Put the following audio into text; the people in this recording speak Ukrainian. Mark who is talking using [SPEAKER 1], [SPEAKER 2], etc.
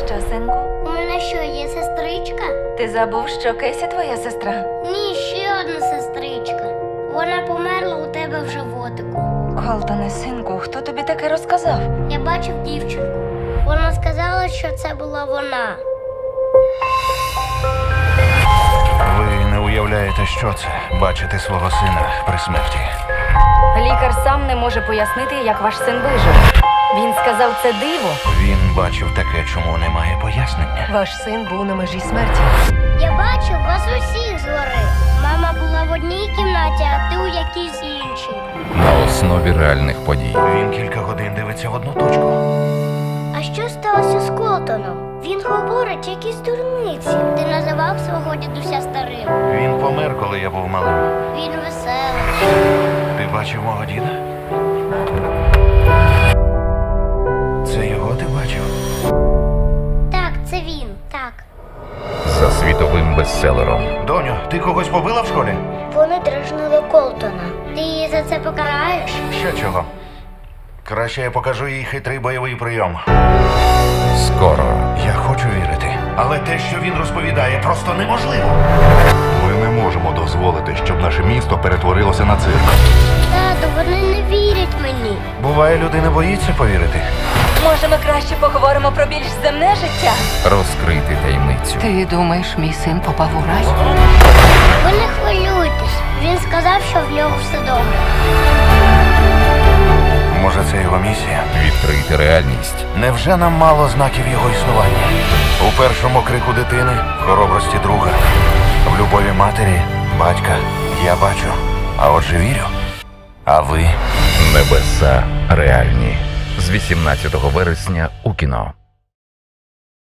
[SPEAKER 1] Що, синку?
[SPEAKER 2] У мене що, є сестричка?
[SPEAKER 1] Ти забув, що Кесі твоя сестра?
[SPEAKER 2] Ні, ще одна сестричка. Вона померла у тебе в животику.
[SPEAKER 1] Колтоне, синку, хто тобі таке розказав?
[SPEAKER 2] Я бачив дівчинку. Вона сказала, що це була вона.
[SPEAKER 3] Ви не уявляєте, що це бачити свого сина при смерті.
[SPEAKER 1] Лікар сам не може пояснити, як ваш син вижив. Він сказав, це диво.
[SPEAKER 3] Він бачив таке, чому немає пояснення.
[SPEAKER 1] Ваш син був на межі смерті.
[SPEAKER 2] Я бачив вас усіх згори. Мама була в одній кімнаті, а ти у якійсь іншій.
[SPEAKER 4] На основі реальних подій.
[SPEAKER 3] Він кілька годин дивиться в одну точку.
[SPEAKER 2] А що сталося з Колтоном? Він говорить якісь дурниці. Ти називав свого дідуся старим.
[SPEAKER 3] Він помер, коли я був малим.
[SPEAKER 2] Він веселий.
[SPEAKER 3] Ти бачив мого діда? Це його ти бачив?
[SPEAKER 2] Так, це він. Так.
[SPEAKER 4] За світовим бестселером.
[SPEAKER 3] Доню, ти когось побила в школі?
[SPEAKER 2] Вони дражнили Колтона. Ти її за це покараєш?
[SPEAKER 3] Ще чого? Краще я покажу їй хитрий бойовий прийом.
[SPEAKER 4] Скоро.
[SPEAKER 3] Я хочу вірити. Але те, що він розповідає, просто неможливо.
[SPEAKER 5] Ми не можемо дозволити, щоб наше місто перетворилося на цирк.
[SPEAKER 2] Тату, вони не вірять мені.
[SPEAKER 3] Буває, людина боїться повірити.
[SPEAKER 1] Може, ми краще поговоримо про більш земне життя?
[SPEAKER 4] Розкрити таємницю.
[SPEAKER 1] Ти думаєш, мій син попав у рай?
[SPEAKER 2] Ви не хвилюйтесь. Він сказав, що в нього все добре.
[SPEAKER 3] Може, це його місія?
[SPEAKER 4] Відкрити реальність.
[SPEAKER 3] Невже нам мало знаків його існування? У першому крику дитини, в хоробрості друга, в любові матері, батька я бачу, а отже вірю. А ви?
[SPEAKER 4] Небеса реальні. З 18 вересня у кіно.